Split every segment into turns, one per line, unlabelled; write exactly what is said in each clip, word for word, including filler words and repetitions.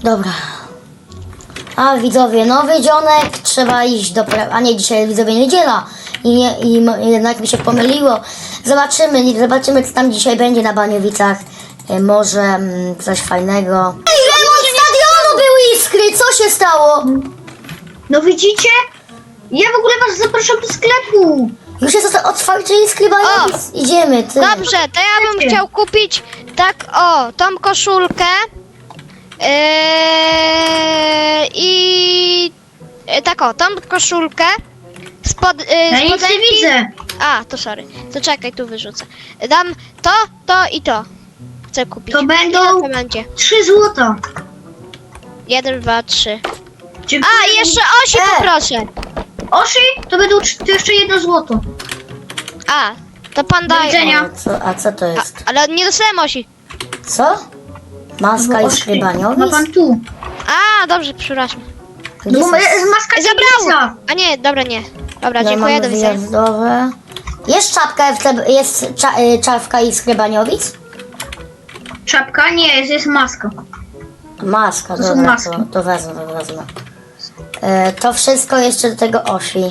Dobra. A widzowie, nowy dzionek, trzeba iść do pra... A nie, dzisiaj widzowie niedziela. I, nie, i mo- jednak mi się pomyliło. Zobaczymy, nie- zobaczymy co tam dzisiaj będzie na Baniowicach. E, może mm, coś fajnego. Ej, remont stadionu był Iskry, co się stało?
No widzicie? Ja w ogóle was zapraszam do sklepu.
Już jest otwarcie Iskry Baniowic. Idziemy, ty.
Dobrze, to ja bym
Wiecie.
chciał kupić tak o, tą koszulkę yy, i yy, tak o, tą koszulkę spod, yy,
Ja nic nie
spodenki-
widzę.
A, to sorry, to czekaj, tu wyrzucę. Dam to, to i to. Chcę kupić.
To będą
Ile to będzie?
trzy złota.
Jeden, dwa, trzy.
Dziękuję.
A, jeszcze osi
E!
poproszę.
Oszy, to będą cz- to jeszcze jedno złoto.
A, to pan
Do
daje.
widzenia.
O, co, a co to
A,
jest?
ale nie dostałem osi.
Co? Maska
Bo
Iskry
oszy. Ma
Baniowic?
pan tu.
A, dobrze, przepraszam.
Gdzie
No,
są?
bo jest maska
Zabrało!
Tigrysa.
A nie, dobra, nie. Dobra,
Ja
dziękuję,
mam
do widzenia.
wyjazdowe. Jest czapka, F C, jest cza, y, czapka Iskry Baniowic?
Czapka? Nie, jest, jest maska.
Maska,
To są
dobra,
maski.
to, to wezmę, to wezmę. E, to wszystko jeszcze do tego Oshi.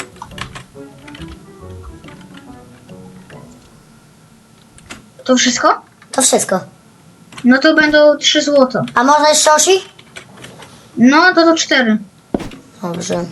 To wszystko?
To wszystko.
No to będą trzy złota.
A można jeszcze Oshi?
No to to cztery.
Dobrze.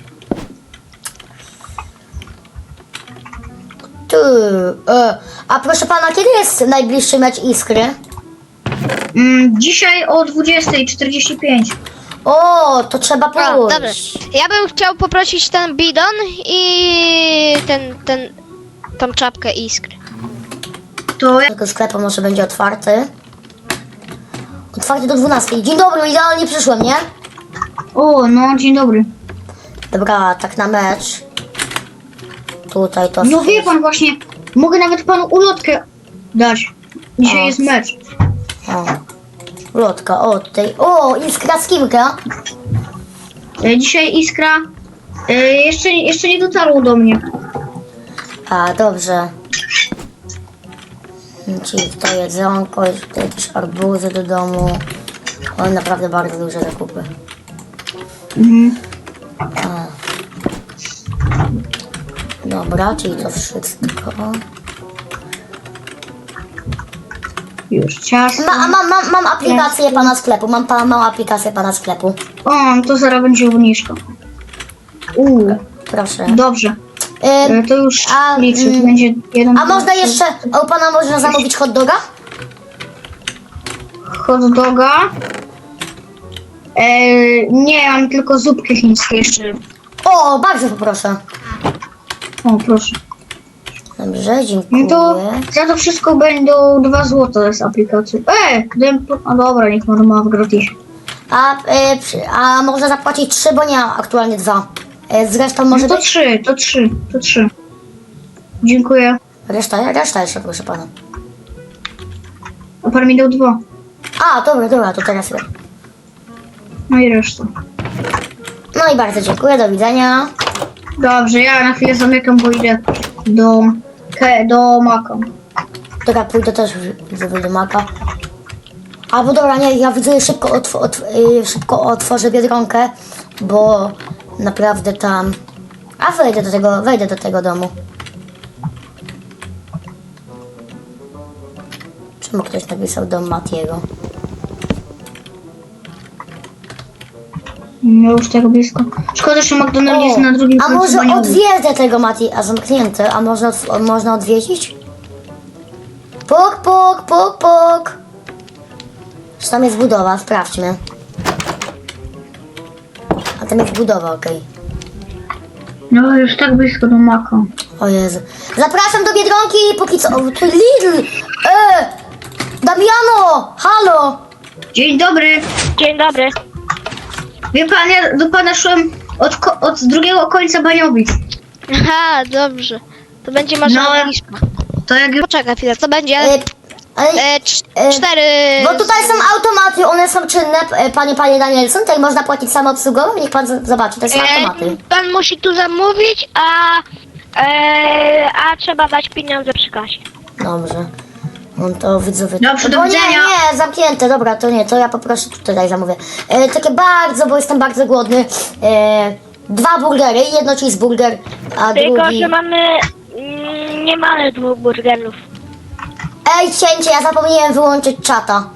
Tu. E, a proszę pana, kiedy jest najbliższy mecz Iskry?
Mm, dzisiaj o dwudziestej czterdzieści pięć.
O, to trzeba
O, dobrze.
pójść.
Ja bym chciał poprosić ten bidon i ten, ten, tą czapkę iskry.
To ja...
Tego sklepu może będzie otwarty. Otwarty do dwunastej. Dzień dobry, idealnie przyszłem, nie?
O, no dzień dobry.
Dobra, tak na mecz. Tutaj to...
No wie pan właśnie, mogę nawet panu ulotkę dać. Dzisiaj
O.
jest mecz.
O. Lotka, o tutaj. O, Iskra z Kimka.
E, Dzisiaj Iskra e, jeszcze, jeszcze nie dotarło do mnie.
A, dobrze. Czyli to jedzonko, tutaj jakieś arbuzy do domu. O, naprawdę bardzo duże zakupy.
Mhm.
A. Dobra, czyli to wszystko.
Już ciasto.
Ma, a mam, mam, mam aplikację pana sklepu. Mam, pa, mam aplikację pana sklepu.
O, no to zaraz będzie obniżka. Uuu,
Proszę.
dobrze.
Ym,
E, to już
a,
liczę, to
mm,
będzie jeden.
a można jeszcze, a u pana można zamówić hot doga?
Hot doga. E, nie, mam tylko zupkę chińskie jeszcze.
O, bardzo poproszę.
O, proszę.
Dobrze,
No
dziękuję.
to za to wszystko będą dwa złote z aplikacji. E, dałem po... A dobra, niech pan ma w gratisie.
A, e, przy- a można zapłacić trzy, bo nie mam aktualnie dwa. E, zresztą może
No to
być...
trzy, to trzy, to trzy. Dziękuję.
Reszta, reszta jeszcze, proszę pana.
A pan mi dał dwa.
A, dobra, dobra, to teraz ja.
No i reszta.
No i bardzo dziękuję, do widzenia.
Dobrze, ja na chwilę zamykam, bo idę do, ke, do Maka.
Dobra, pójdę też widzę do maka. Albo dobra, nie, ja widzę szybko, otw otw y, szybko otworzę Biedronkę, bo naprawdę tam... A wejdę do tego, wejdę do tego domu. Czemu ktoś napisał dom Matiego?
No już tego blisko. Szkoda, że McDonald's jest na drugim
a
końcu
może
Baniowy.
odwiedzę tego Mati, a zamknięte, a można, otw- można odwiedzić? Puk, puk, puk, puk. Czy tam jest budowa? Sprawdźmy. A tam jest budowa, okej.
No już tak blisko do Maka.
O Jezu. Zapraszam do Biedronki, póki co... O, tu Lidl! E! Damiano! Halo!
Dzień dobry.
Dzień dobry.
Wie pan, ja do pana szłem od, ko- od drugiego końca Baniowic.
Aha, dobrze. To będzie masza
No.
angielska.
To jak już...
Poczekaj chwilę, co będzie?
E, ale,
E, cz-
e,
cztery...
bo tutaj są automaty, one są czynne, e, panie, panie Danielson. Tutaj można płacić samoobsługowo, niech pan z- zobaczy, to są automaty.
E, pan musi tu zamówić, a, e, a trzeba dać pieniądze przy kasie.
Dobrze. On to widzowie.
Dobrze, do
Bo nie,
widzenia.
nie, zamknięte, dobra, to nie, to ja poproszę tutaj zamówię. E, takie bardzo, bo jestem bardzo głodny. E, dwa burgery, jedno cheeseburger, a
Tylko,
drugi...
że mamy... mm, Nie mamy dwóch burgerów.
Ej, cięcie, ja zapomniałem wyłączyć czata.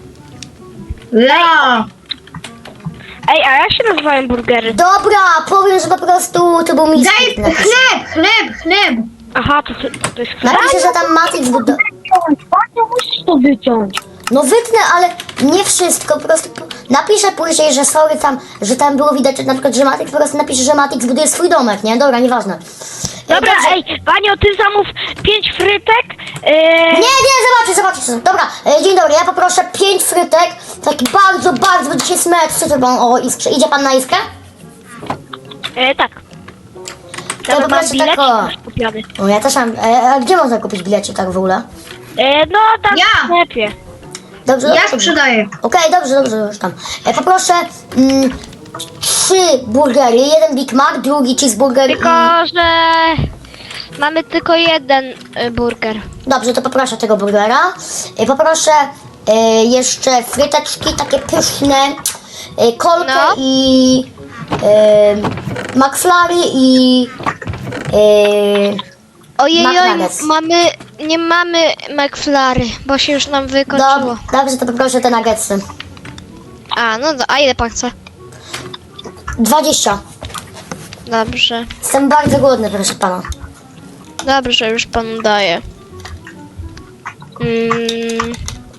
Ja!
Ej, a jak się nazywają burgery?
Dobra, powiem, że po prostu to był
Daj
mistrz. Napiszę,
chleb, chleb, chleb!
Aha, to, to jest chleb?
napiszę, że tam Matrix budo...
Bardzo musisz to wyciąć.
No wytnę, ale nie wszystko, po prostu po- napiszę później, że sorry tam, że tam było widać na przykład, że Matrix, po prostu napiszę, że Matrix buduje swój domek, nie? Dobra, nieważne. E,
Dobra,
dobrze.
ej, Banio, ty zamów pięć frytek. Yy,
Nie, nie, zobaczcie, zobaczcie. Dobra, e, dzień dobry, ja poproszę pięć frytek, taki bardzo, bardzo, bo dzisiaj jest mecz, co to pan, o, iskrze. Idzie pan na iskrę?
yy, tak.
To
Nawet mam
poproszę
bilet
tako.
już kupiony.
O, ja też mam, e, a gdzie można kupić bilecie tak w ogóle?
Yy, no, tam
Ja.
w sklepie.
Dobrze,
Ja
dobrze.
sprzedaję.
Okej, dobrze, dobrze, już tam. E, poproszę mm, trzy burgery, jeden Big Mac, drugi cheeseburger i...
Tylko, że mamy tylko jeden y, burger.
Dobrze, to poproszę tego burgera. E, poproszę e, jeszcze fryteczki takie pyszne, e, kolkę
No.
i e, McFlurry i e,
Ojej, oj,
McNuggets.
mamy, nie mamy McFlurry, bo się już nam wykończyło.
dob- dobrze, to poproszę te nuggetsy.
A, no do, a ile pan chce?
dwadzieścia.
Dobrze,
Jestem bardzo głodny, proszę pana.
dobrze, już panu daję. Mm.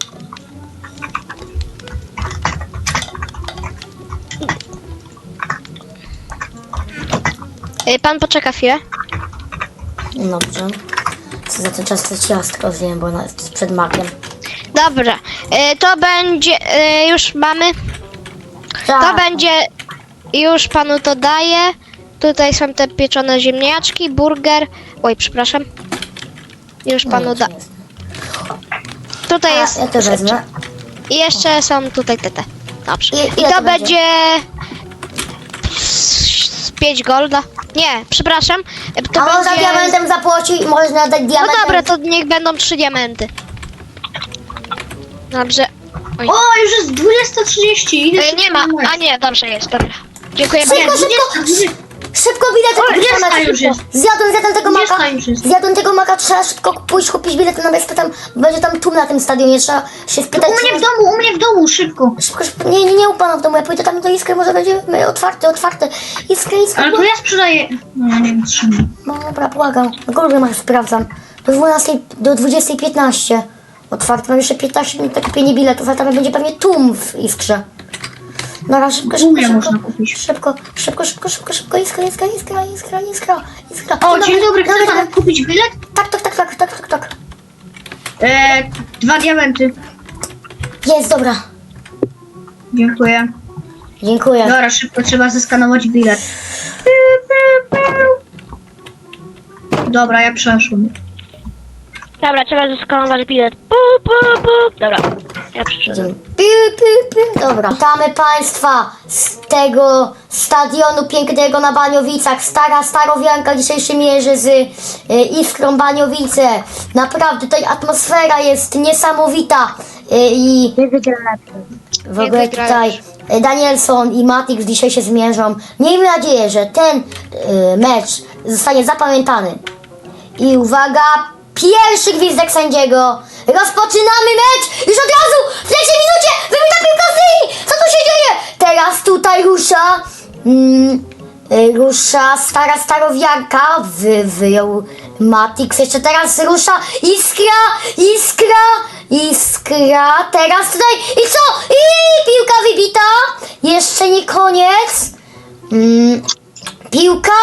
Y, Pan poczeka chwilę.
Dobrze. Co za ten czas to ciastko zjem, bo ona jest przed makiem.
Dobra, y, to będzie, y, już mamy, to
Tak.
będzie, już panu to daję. Tutaj są te pieczone ziemniaczki, burger. Oj, przepraszam. Już panu da. Tutaj
A,
jest.
ja to wezmę.
I jeszcze są tutaj te te. Dobrze.
I-
I
ile
to
to będzie?
będzie z pięć golda. Nie, przepraszam. To
A można
będzie...
diamentem zapłacić, można dać
No
diamentem.
dobra, to niech będą trzy diamenty. Dobrze. Oj.
O, już jest dwudziesta trzydzieści. Idę
E,
szybko
nie ma.
na mecz.
A nie, dobrze jest, dobra. Dziękuję
Szybko,
bardzo.
szybko! Szybko bilety
O,
kupić na
dwudziesta
mecz,
już
szybko.
jest.
Zjadłem, zjadłem tego maka.
dwudziesta już jest.
Zjadłem tego maka, trzeba szybko pójść kupić bilety na mecz, to tam będzie tam tłum na tym stadionie, trzeba się spytać.
U mnie
czy
w domu, u mnie w domu, szybko.
Szybko, szybko. Nie, nie, nie u pana w domu, ja pójdę tam do Iskry, może będzie e, otwarte, otwarte. Iskra, Iskra.
Ale to ja sprzedaję. No, nie wiem, trzymam.
No dobra, błagam. Na górze masz, sprawdzam. Do dwunastej, do dwudziestej piętnaście. Otwarte, mam jeszcze piętnaście minut na kupienie biletów, a tam będzie pewnie tłum w Iskrze. Dobra, szybko,
U
szybko,
mnie
szybko.
można kupić.
Szybko, szybko, szybko, szybko, szybko, iskra, iskra, iskra, iskra, iskra, iskra.
O, dzień dobry, chce
dobry.
pan kupić bilet?
Tak, tak, tak, tak, tak, tak, tak.
E, dwa diamenty.
Jest, dobra.
Dziękuję.
Dziękuję.
Dobra, szybko trzeba zeskanować bilet. Dobra, ja przeszłam.
Dobra, trzeba zeskanować bilet. Pu, pu, pu. Dobra, ja przyszedłem.
Pi, pi, pi. Dobra. Witamy Państwa z tego stadionu pięknego na Baniowicach. Stara Starowianka dzisiaj mierzy z e, Iskrą Baniowice. Naprawdę tutaj atmosfera jest niesamowita. E, I w
Nie
ogóle
wygrałeś.
tutaj e, Danielson i Matix dzisiaj się zmierzą. Miejmy nadzieję, że ten e, mecz zostanie zapamiętany. I uwaga, pierwszy gwizdek sędziego. Rozpoczynamy mecz! Już od razu w trzeciej minucie wybita piłka z linii! Co tu się dzieje? Teraz tutaj rusza mm, y, rusza stara starowianka. Wy, wyjął Matix. Jeszcze teraz rusza Iskra! Iskra! Iskra! Teraz tutaj i co? I piłka wybita! Jeszcze nie koniec. Mm, piłka!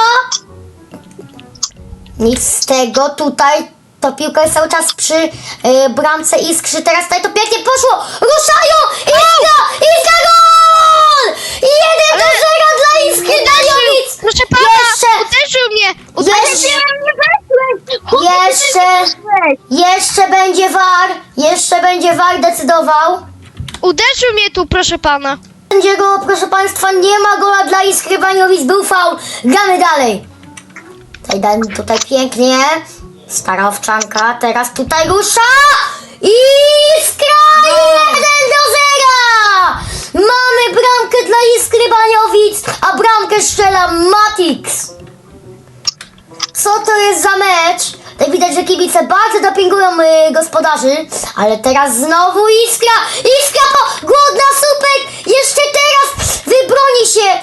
Nic z tego, tutaj to piłka jest cały czas przy y, bramce Iskrzy, teraz tutaj to pięknie poszło, ruszają, Iskra, Iskra gol! jeden do zera dla Iskry Baniowic!
Proszę pana,
Jeszcze,
uderzył mnie! Uderzył
jeszcze, jeszcze, jeszcze będzie V A R, jeszcze będzie V A R decydował.
Uderzył mnie tu, proszę pana.
Sędziego, proszę państwa, nie ma gola dla Iskry Baniowic, był faul, gramy dalej. Tutaj, daj- tutaj pięknie. Stara owczanka, teraz tutaj rusza! Iskra jeden do zera! Mamy bramkę dla Iskry Baniowic, a bramkę strzela Matix. Co to jest za mecz? Tak widać, że kibice bardzo dopingują y, gospodarzy, ale teraz znowu Iskra! Iskra po głodna Supek! Jeszcze teraz wybroni się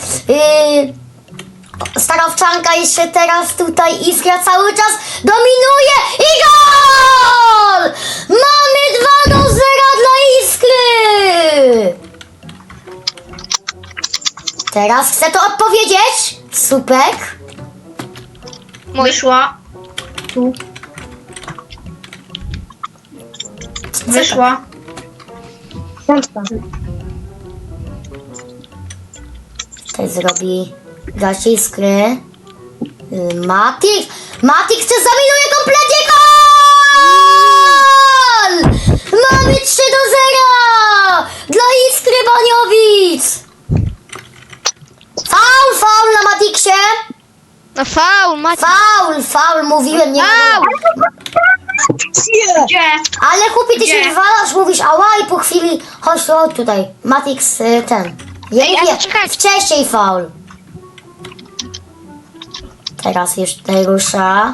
y, stara owczanka, jeszcze teraz tutaj Iskra cały czas dominuje i gol! Mamy dwa do zera dla Iskry! Teraz chcę to odpowiedzieć. Supek.
Wyszła. Tu. Wyszła.
Tutaj zrobi gaz Iskry. Y, Matik. Matik chce zaminuje kompletnie gol! Mamy trzy do zera! Dla Iskry Baniowic! Faul, faul na Matiksie!
No faul, Maciek.
Faul, faul, mówiłem, nie
Faul!
Gdzie?
Ale chłopie, ty się
Gdzie?
wywalasz, mówisz ała i po chwili chodź tu, chodź tutaj. Matix y, ten. Ja
Ej,
mówię,
ale czekaj.
wcześniej faul. Teraz już tutaj rusza.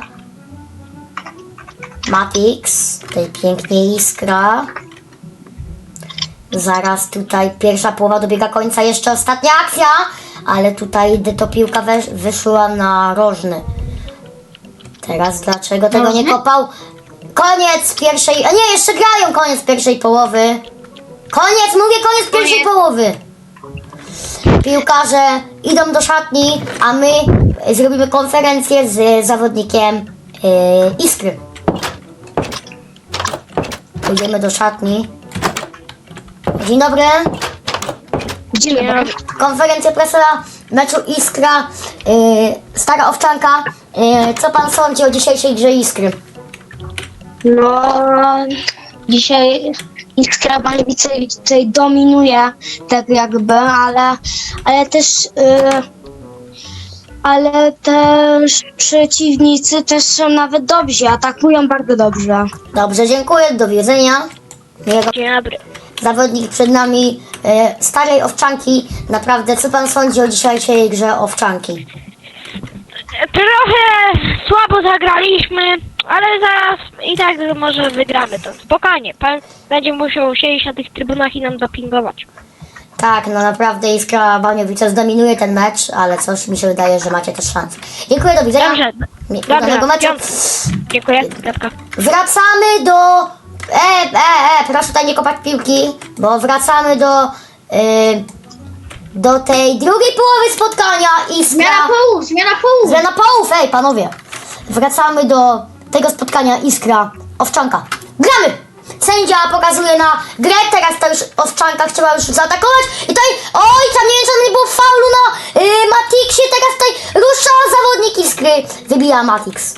Matix. Tutaj pięknie Iskra. Zaraz tutaj pierwsza połowa dobiega końca, jeszcze ostatnia akcja. Ale tutaj gdy to piłka wesz, wyszła na rożny. Teraz dlaczego tego nie
Rożny?
kopał? Koniec pierwszej, a nie, jeszcze grają koniec pierwszej połowy. Koniec, mówię koniec pierwszej
Koniec.
połowy. Piłkarze idą do szatni, a my zrobimy konferencję z zawodnikiem yy, Iskry. Idziemy do szatni. Dzień dobry.
Dzień dobry.
Konferencja prasowa meczu Iskra, yy, Stara Owczanka. Yy, co pan sądzi o dzisiejszej grze Iskry?
No, dzisiaj Iskra Baniowice tutaj dominuje, tak jakby, ale, ale też, yy, ale też przeciwnicy też są nawet dobrzy, atakują bardzo dobrze.
Dobrze, dziękuję, do widzenia. Miłego.
Dzień dobry.
Zawodnik przed nami e, Starej Owczanki. Naprawdę, co pan sądzi o dzisiejszej grze Owczanki?
Trochę słabo zagraliśmy, ale zaraz i tak może wygramy to. Spokojnie, pan będzie musiał siedzieć na tych trybunach i nam dopingować.
Tak, no naprawdę Iskra Baniowice zdominuje ten mecz, ale coś mi się wydaje, że macie też szansę. Dziękuję, do widzenia.
Dobrze,
Mi-
dobrze,
udanego meczu.
piąt- Dziękuję, Dawka.
Wracamy do... E, e, e, proszę tutaj nie kopać piłki, bo wracamy do... Y, do tej drugiej połowy spotkania Iskra...
Zmiana połów, zmiana połów.
Zmiana połów, ej panowie! Wracamy do tego spotkania Iskra Owczanka. Gramy! Sędzia pokazuje na grę, teraz ta już Owczanka chciała już zaatakować i tutaj, oj, tam nie wiem, czy tam nie było faulu na y, Matixie, teraz tutaj rusza zawodnik Iskry, wybija Matix.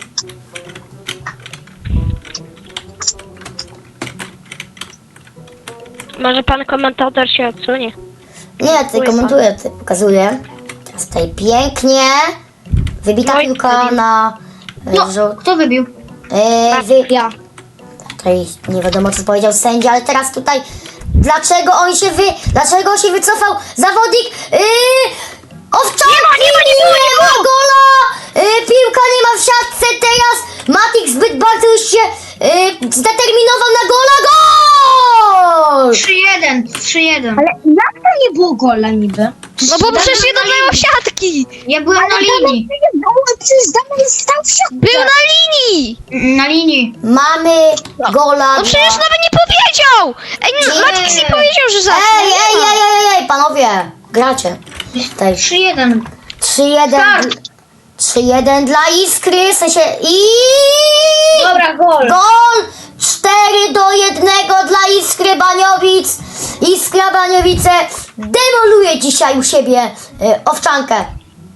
Może pan komentator się odsunie?
Nie, tutaj komentuję, tutaj pokazuję. Teraz tutaj pięknie wybita
Oj,
piłka
wybił.
na y,
No,
rzut.
kto wybił?
E, wy,
Ja.
Tutaj nie wiadomo, co powiedział sędzia, ale teraz tutaj dlaczego on się wy... Dlaczego on się wycofał? Zawodnik yy, Owczanki! Nie ma, nie ma, nie, było, nie ma gola! Yy, piłka nie ma w siatce teraz! Matik zbyt bardzo już się yy, zdeterminował na gola. Gol!
trzy jeden, trzy jeden.
Ale jak to nie było gola niby?
No bo przecież nie dodają siatki!
Ja byłem na linii.
Przecież Damian stał w siatce.
Był na linii!
Na linii.
Mamy gola.
No przecież
dla-
nawet nie powiedział! Ej,
Nie.
Maciek nie powiedział, że zacznie.
Ej, ej, ej, ej, ej, panowie! Gracie. Tutaj
trzy jeden.
trzy jeden.
Start.
trzy jeden dla Iskry, w sensie i...
Dobra, gol.
Gol! cztery do jednego dla Iskry Baniowic. Iskra Baniowice demoluje dzisiaj u siebie y, Owczankę.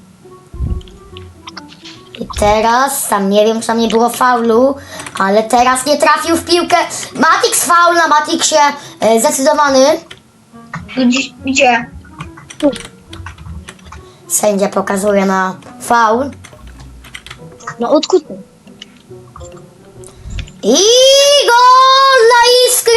I teraz, tam nie wiem, czy tam nie było faulu, ale teraz nie trafił w piłkę. Matix faul na Matixie, y, zdecydowany.
Gdzie? Gdzie?
Sędzia pokazuje na faul.
No odkuty.
I gol dla Iskry!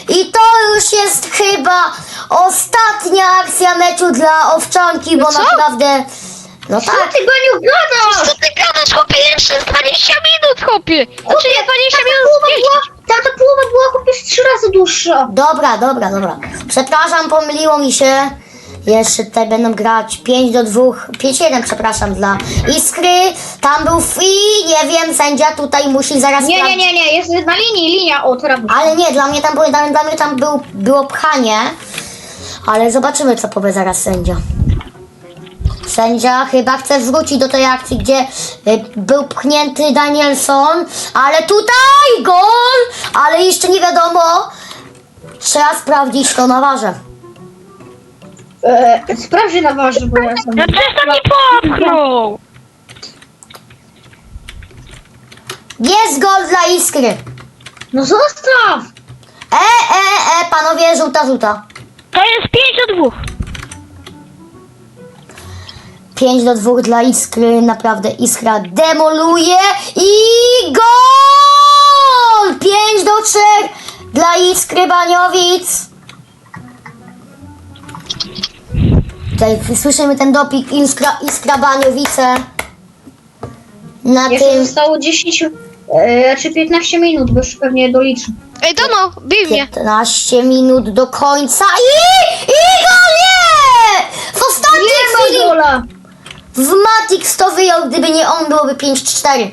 I to już jest chyba ostatnia akcja meczu dla Owczanki, bo
co?
naprawdę... No
Co
tak,
ty, Baniu, gadasz?
Co ty gadasz, chłopie? Jeszcze dwadzieścia minut, chłopie! Znaczy
Chłopie,
nie dwadzieścia
ta
minut,
połowa
dziesięć.
była, ta, ta połowa była chłopie z trzy razy dłuższa.
dobra, dobra, dobra. Przepraszam, pomyliło mi się. Jeszcze tutaj będą grać pięć do dwóch, pięć jeden, przepraszam, dla Iskry. Tam był free, nie wiem, sędzia tutaj musi zaraz...
Nie, nie,
sprawdzić.
nie, nie, jest na linii, linia, o, teraz.
Ale nie, dla mnie tam, było- dla, dla mnie tam był, było pchanie. Ale zobaczymy, co powie zaraz sędzia. Sędzia chyba chce wrócić do tej akcji, gdzie y, był pchnięty Danielson, ale tutaj gol! Ale jeszcze nie wiadomo. Trzeba sprawdzić to na warze.
E, sprawdź na waży, bo ja jestem...
No przecież to nie popchnął!
Jest gol dla Iskry.
No zostaw!
E, e, e, panowie, żółta, żółta.
To jest pięć do dwóch.
pięć do dwóch dla Iskry, naprawdę Iskra demoluje i gol! pięć do trzech dla Iskry Baniowic. Tutaj słyszymy ten doping Iskra, Iskra Baniowice. Na
Jeszcze
tym
zostało dziesięć, e, czy piętnaście minut, bo już pewnie doliczę.
Ej, Dono, bij mnie.
piętnaście minut do końca i, i gol nie! W ostatniej
Nie ma
chwili
gola!
w Matix to wyjął, gdyby nie on, byłoby pięć cztery.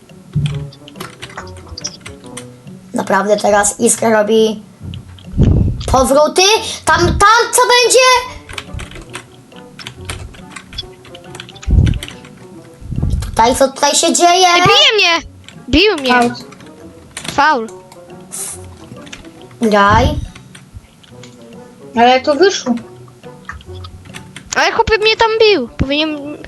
Naprawdę teraz Iskra robi powroty. Tam, tam co będzie? Tutaj, co tutaj się dzieje?
Ej, bije mnie. Bił mnie.
Out.
Faul.
Graj.
Ale to wyszło.
Ale chłopie mnie tam bił. Powinien...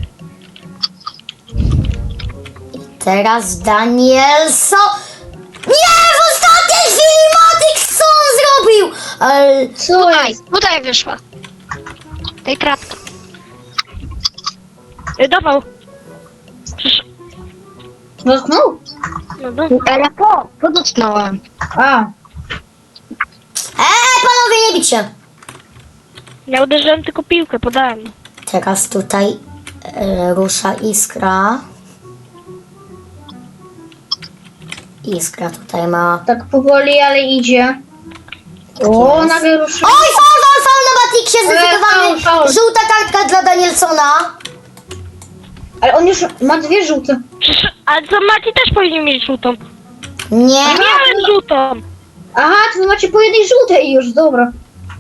Teraz Danielson. Nie! W ostatniej chwili Matix co on zrobił? Ale...
Co
Tutaj,
jest?
tutaj wyszła. Tej kratka.
Y, Dawał. Przecież...
Dotknął?
No do...
Ale po, po dotknąłem.
A,
Eee, panowie, nie bić się.
Ja uderzyłem tylko piłkę, podałem.
Teraz tutaj e, rusza Iskra. Iskra tutaj ma...
tak powoli, ale idzie. O, nagle ruszył.
Oj, faul, faul, faul na Matixie,
faul,
zdecydowany.
faul.
Żółta kartka dla Danielsona.
Ale on już ma dwie żółte.
Przecież... Ale co, Mati też powinien mieć żółtą.
Nie.
Miałem żółtą.
Aha, to wy macie po jednej żółtej już, dobra.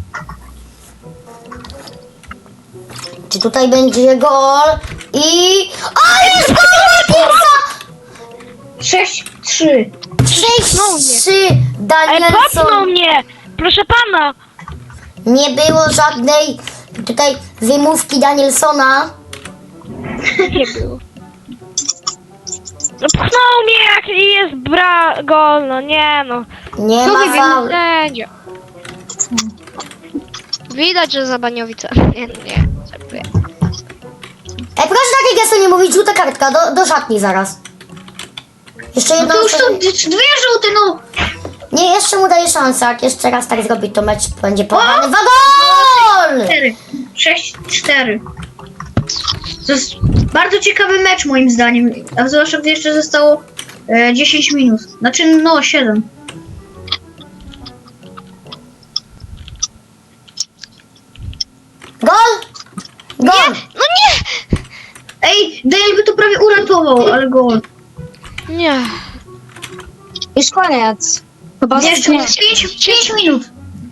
Czy tutaj będzie gol? I... O, jest gol Matixa!
sześć trzy.
sześć trzy
Ale popchnął
Danielson.
mnie! Proszę pana!
Nie było żadnej tutaj wymówki Danielsona.
Nie było. No pchnął mnie jak jest bra... gol, no nie no.
Nie
Co
ma
wy
faul.
Sędzia. Widać, że za Baniowice. Nie, nie. Żartuję.
Ej, proszę takie gesto nie mówić, żółta kartka, do, do szatni zaraz. Jeszcze
No
jedno...
to już są d- dwie żółte, no.
Nie, jeszcze mu daję szansę, jak jeszcze raz tak zrobi, to mecz będzie porwany. Wa gol!
cztery. sześć cztery. To jest bardzo ciekawy mecz moim zdaniem. A zwłaszcza gdy jeszcze zostało e, dziesięć minut. Znaczy, no, siedem.
Gol! Gol!
No nie!
Ej, Dale by to prawie uratował, ale gol.
Nie.
Już koniec. Chyba
Jeszcze
nie.
pięć minut.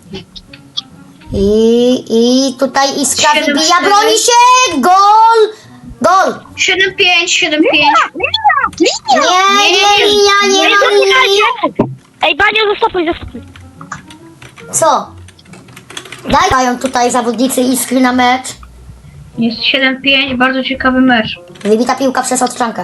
I, i tutaj Iskra
Siedem,
wybija,
cztery.
broni się! Gol! Gol!
siedem pięć, siedem pięć.
Nie, nie, nie, linia, nie
Ej,
ma linii!
zaczekajcie! Ej, Banio, zastopuj, zastopuj.
Co? Daj- Dają tutaj zawodnicy Iskry na mecz.
Jest siedem pięć, bardzo ciekawy mecz.
Wybita piłka przez Odczankę.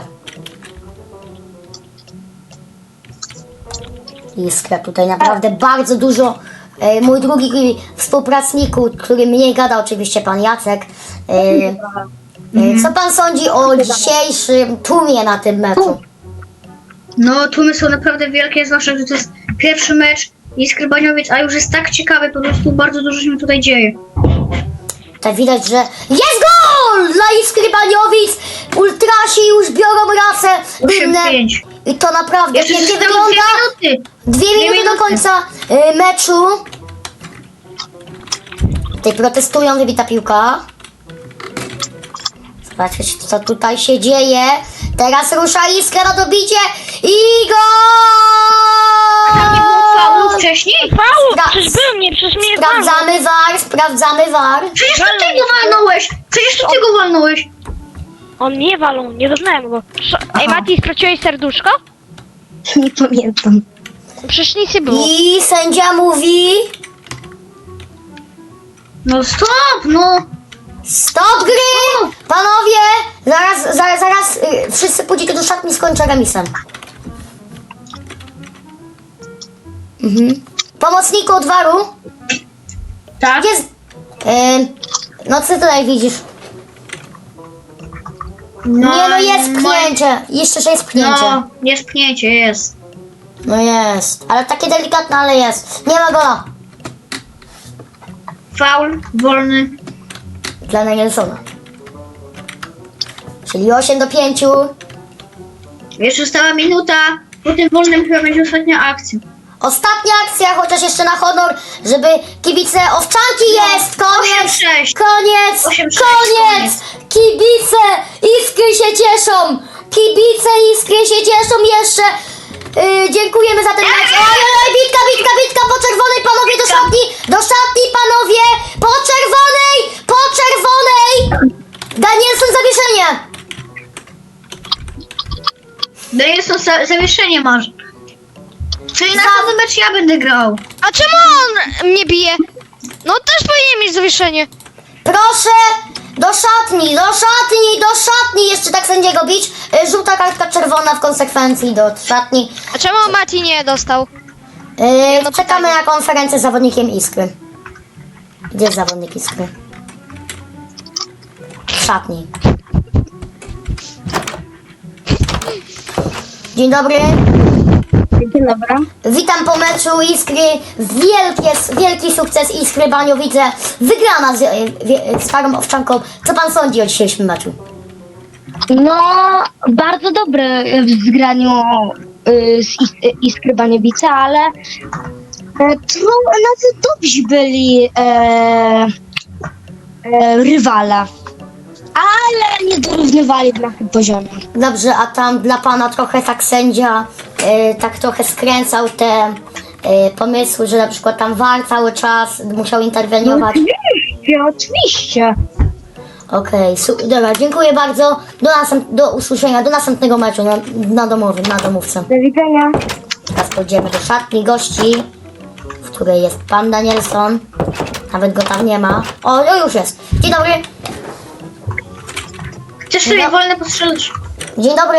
Iskra tutaj naprawdę bardzo dużo. E, mój drugi współpracniku, który mniej gada, oczywiście pan Jacek. E, e, co pan sądzi o dzisiejszym tłumie na tym meczu?
No, tłumy są naprawdę wielkie, zwłaszcza, że to jest pierwszy mecz Iskry Baniowiec, a już jest tak ciekawy, po prostu bardzo dużo się tutaj dzieje.
Tak widać, że jest gol dla Iskry Baniowic! Ultrasi już biorą rasę
osiem
dymne.
pięć.
I to naprawdę
Jeszcze
pięknie
zostały
wygląda.
dwie minuty.
Dwie
Dwie
minuty do
minuty.
końca y, meczu. Tutaj protestują, wybita piłka. Zobaczcie, co tutaj się dzieje. Teraz rusza Iskra na dobicie i
Tam nie było faulu
gol!
wcześniej?
Faul!
Spra-
Przecież był mnie, przecież mnie walnął.
Sprawdzamy V A R, sprawdzamy V A R.
Przecież to ty go walnąłeś! Przecież to ty go walnąłeś!
On mnie walą, nie doznałem go. Sz- Ej, Mati, straciłeś serduszko?
Nie pamiętam.
Przecież nic nie było.
I sędzia mówi
No stop, no!
stop gry! Panowie, zaraz, zaraz, zaraz y, wszyscy pójdziecie do szatni, skończę remisem. Mhm. Pomocniku od V A R-u.
Tak?
Jest. Yy, no co tutaj widzisz? Nie no jest pchnięcie. Jeszcze że jest pchnięcie.
No, jest pchnięcie, jest.
No jest. Ale takie delikatne, ale jest. Nie ma gola.
Faul, wolny.
Dla Nelsona. Czyli osiem do pięciu.
Jeszcze została minuta. Po tym wolnym chyba będzie ostatnia akcja.
Ostatnia akcja, chociaż jeszcze na honor, żeby kibice Owczanki jest! Koniec!
osiem sześć.
Koniec!
osiem sześć,
Koniec! Kibice Iskry się cieszą! Kibice Iskry się cieszą jeszcze! Yy, dziękujemy za ten mecz. Oj, oj, oj, bitka, bitka, bitka po czerwonej, panowie do szatni! Do szatni, panowie! Po czerwonej! Po czerwonej! Danielson zawieszenie!
Danielson za- zawieszenie masz. Czyli na
Za-
ten mecz ja będę grał.
A czemu on mnie bije? No też powinien mieć zawieszenie.
Proszę do szatni, do szatni, do szatni! Jeszcze tak sędziego bić. Y, Żółta kartka czerwona w konsekwencji do szatni.
A czemu Mati nie dostał?
Yy,
no
czekamy
pytanie.
na konferencję z zawodnikiem Iskry. Gdzie jest zawodnik Iskry? W szatni. Dzień dobry.
Dzień dobry.
Witam po meczu Iskry. Wielkie, wielki sukces Iskry Baniowice. Wygrana z, z Farą Owczanką. Co pan sądzi o dzisiejszym meczu?
No, bardzo dobre w zgraniu y, z Is- y, Iskry Baniowice, ale e, tro, nawet dobrzy byli e, e, rywale. Ale nie dorównywali na tym poziomie.
Dobrze, a tam dla pana trochę tak sędzia yy, tak trochę skręcał te yy, pomysły, że na przykład tam V A R cały czas musiał interweniować.
Oczywiście, oczywiście.
Okej, su- dobra, dziękuję bardzo. Do, następ- do usłyszenia, do następnego meczu na, na domowym, na domówce.
Do widzenia.
Teraz pójdziemy do szatni gości, w której jest pan Danielson. Nawet go tam nie ma. O, no już jest. Dzień dobry.
Chcesz sobie
No.
wolne postrzelić?
Dzień dobry.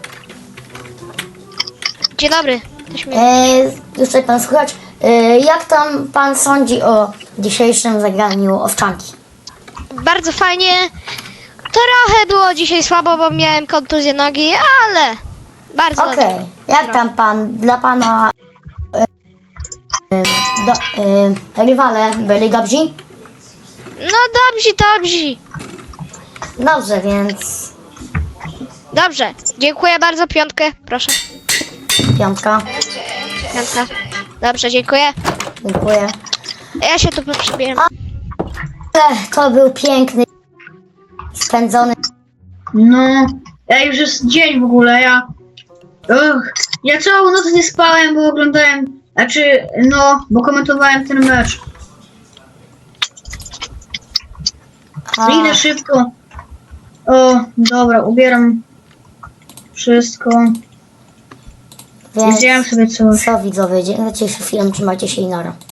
Dzień dobry. Też mnie...
E, już tutaj pan słuchać. E, jak tam pan sądzi o dzisiejszym zagraniu Owczanki?
Bardzo fajnie. Trochę było dzisiaj słabo, bo miałem kontuzję nogi, ale bardzo
Okej,
dobrze.
jak tam pan, dla pana e, e, do, e, rywale byli dobrzy?
No dobrze, dobrze.
Dobrze, więc
Dobrze. Dziękuję bardzo. Piątkę, proszę.
piątka.
Piątka. Dobrze, dziękuję.
Dziękuję.
Ja się tu przybieram.
Ech, to był piękny, spędzony.
No, ja już jest dzień w ogóle, ja... Ugh, ja całą noc nie spałem, bo oglądałem... Znaczy, no, bo komentowałem ten mecz.
A,
Idę szybko. O, dobra, ubieram wszystko.
więc
Zjem sobie coś.
co widzowie, dziękuję chwilę, trzymajcie się i nara.